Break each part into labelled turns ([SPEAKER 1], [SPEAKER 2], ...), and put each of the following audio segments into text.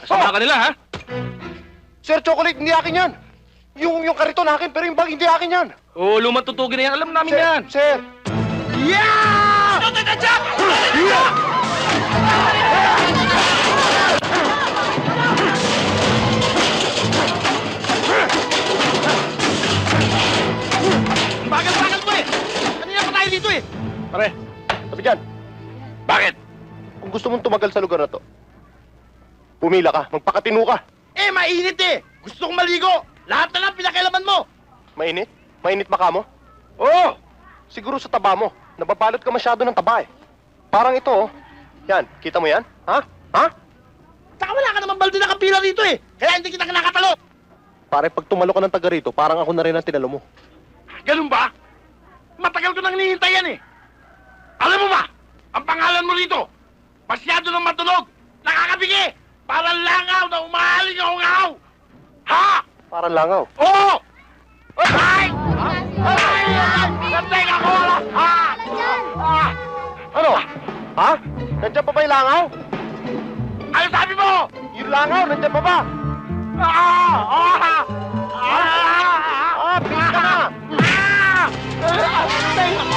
[SPEAKER 1] Kasama ka nila, ha?
[SPEAKER 2] Sir, chocolate, hindi akin yan. Yung kariton akin, pero yung bag hindi akin yan.
[SPEAKER 1] Oo, lumang tutugin na yan. Alam namin
[SPEAKER 2] Sir,
[SPEAKER 1] yan.
[SPEAKER 2] sir.
[SPEAKER 1] Yeah! Totoy Tadyak! Bagal-bagal mo eh! Kanina pa tayo dito eh!
[SPEAKER 2] Pare, sabi dyan.
[SPEAKER 1] Bakit?
[SPEAKER 2] Kung gusto mong tumagal sa lugar na to, pumila ka, magpakatino ka.
[SPEAKER 1] Eh, mainit eh! Gusto kong maligo! Lahat na lang pinakailaman mo!
[SPEAKER 2] Mainit? Mainit maka mo?
[SPEAKER 1] Oo!
[SPEAKER 2] Siguro sa taba mo. Nababalot ka masyado ng taba eh. Parang ito oh. Yan, kita mo yan? Ha? Ha?
[SPEAKER 1] Saka wala ka naman balde na kapila rito eh! Kaya hindi kita kinakatalo!
[SPEAKER 2] Pare, pag tumalo ka ng taga rito, parang ako na rin ang tinalo mo.
[SPEAKER 1] Ganun ba? Matagal ko nang hinihintay yan eh! Alam mo ba? Ang pangalan mo rito, masyado nang matunog! Nakakabigi! Parang langaw na umahaling ngaw-ngaw! Ha?
[SPEAKER 2] Parang langaw.
[SPEAKER 1] Oo! Ay! Ay! Nantay ka ko! Ha?
[SPEAKER 2] Ano? Ha? Nandiyan pa ba yung langaw?
[SPEAKER 1] Ano sabi mo?
[SPEAKER 2] Yung langaw, nandiyan pa ba? Bilis ka na!
[SPEAKER 1] Nantay ka ko!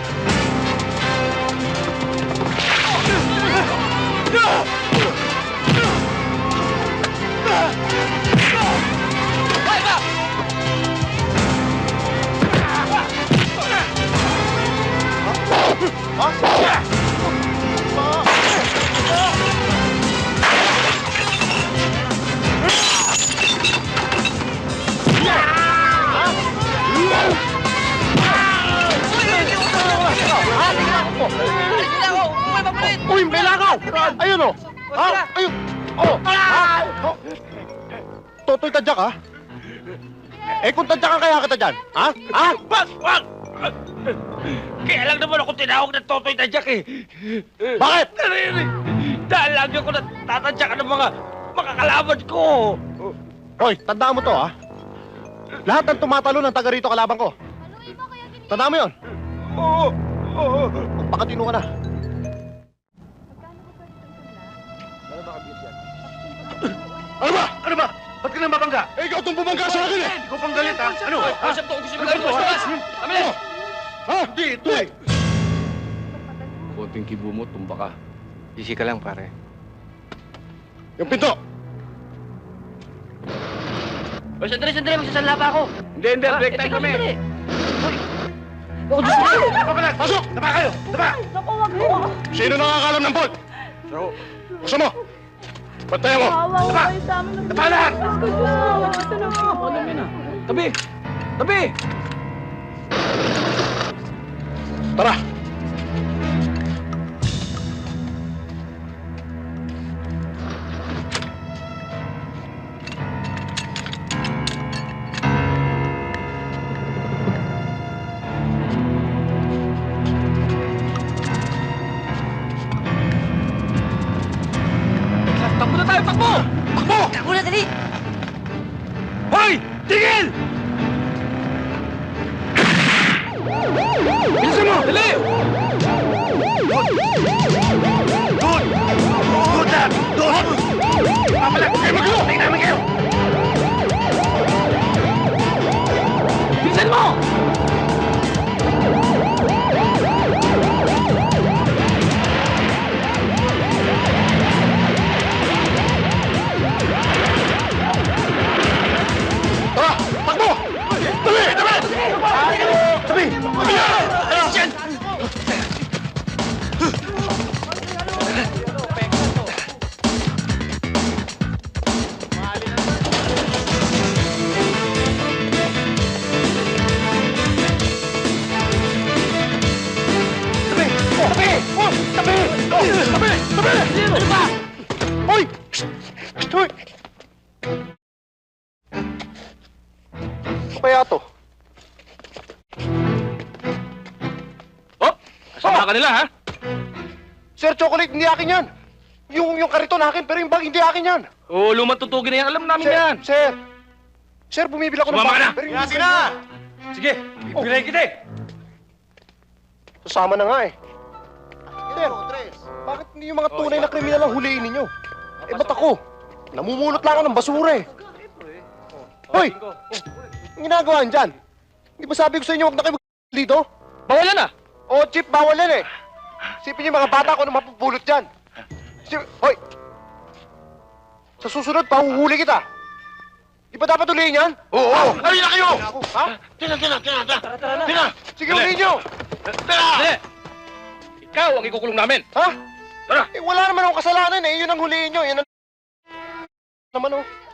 [SPEAKER 2] Uy, may langaw! Ayun oh! Ha? Ayun! Oh! Totoy Tadyak ha? Eh kung tadyakan kaya kita dyan, ha? Ha?
[SPEAKER 1] Wag! Kaya lang naman ako tinawag ng Totoy Tadyak eh.
[SPEAKER 2] Bakit?
[SPEAKER 1] Dahil lagi ako natatadyakan ng mga makakalaban ko.
[SPEAKER 2] Hoy, tandaan mo to ha? Lahat ng tumatalo ng taga rito kalaban ko. Tandaan mo yun?
[SPEAKER 1] Oo.
[SPEAKER 2] Magpakatino ka na. Ano ba? Ano ba? Ba't ka nang mabangga? Eh, ikaw itong bumangga sa akin eh!
[SPEAKER 1] Hindi ko pang galit ha. Ano? Kausap to, gusto mo galit mo. Kami!
[SPEAKER 2] Ha? Di, ito eh!
[SPEAKER 3] Konting kibo mo, tumba ka. Easy ka lang, pare.
[SPEAKER 2] Yung pinto!
[SPEAKER 1] O, sandali, magsasala pa ako.
[SPEAKER 3] Hindi, break time kami.
[SPEAKER 1] Oh, Diyos mo!
[SPEAKER 2] Pasok! Taba kayo! Taba!
[SPEAKER 4] Naku, wag mo.
[SPEAKER 2] Sino nakakalam ng bolt? Gusto mo? Bantayan mo!
[SPEAKER 4] Kawawa
[SPEAKER 2] Taba!
[SPEAKER 4] kayo sa amin.
[SPEAKER 2] Taba lahat!
[SPEAKER 4] Diyos ko, Diyos ko. Ito na po.
[SPEAKER 3] Tabi! Tabi!
[SPEAKER 2] Tara!
[SPEAKER 1] Takbo na tayo, takbo!
[SPEAKER 2] Takbo!
[SPEAKER 1] Takbo na, dali! Hoy! Tigil! Bilisan mo! Dali! Doon! Doon na! Doon! Papalag! Huwag kayo maglo! Tingnan namin kayo! Bilisan mo!
[SPEAKER 2] Tara! Takbo! Tabi! Tabi! Tabi! Tabi!
[SPEAKER 1] Alis dyan!
[SPEAKER 2] Tabi! Tabi! Oh! Tabi! Oh! Tabi! Tabi!
[SPEAKER 1] Ano ba?
[SPEAKER 2] Hoy! Hoy! Ano kaya to?
[SPEAKER 1] Oh! Kasama ka nila, ha?
[SPEAKER 2] Sir, chocolate, hindi akin yan. Yung kariton akin, pero yung bag hindi akin yan.
[SPEAKER 1] Oo, lumang tutugin na yan. Alam namin
[SPEAKER 2] Sir,
[SPEAKER 1] yan.
[SPEAKER 2] sir. Sir, bumibili ako ng
[SPEAKER 1] Sumama ka na.
[SPEAKER 2] bag. Pero
[SPEAKER 1] Sige na! Sige, bibigay kita eh.
[SPEAKER 2] Sasama na nga eh. Sir, bakit hindi yung mga tunay na kriminal ang huliin ninyo? Eh, ba't ako? Namumulot lang ako ng basura eh. Hoy! Ang ginagawa niyan dyan? Hindi ba sabi ko sa inyo huwag na kayo dito?
[SPEAKER 3] Bawalan na!
[SPEAKER 2] Oo, Chip, bawal yan eh. Sipin niyo yung mga bata ko na mapupulot dyan. Hoy! Sa susunod, pahuhuli kita. Di ba dapat ulihin yan?
[SPEAKER 1] Oo! Halika na kayo!
[SPEAKER 2] Ako, ha?
[SPEAKER 1] Tina! Tina!
[SPEAKER 2] Sige, ulihin niyo!
[SPEAKER 1] Tara!
[SPEAKER 3] Hindi! Ikaw ang ikukulong namin!
[SPEAKER 2] Ha?
[SPEAKER 1] Tara!
[SPEAKER 2] Eh, wala naman akong kasalanan eh. Yun ang hulihin niyo. Yan ang... naman oh.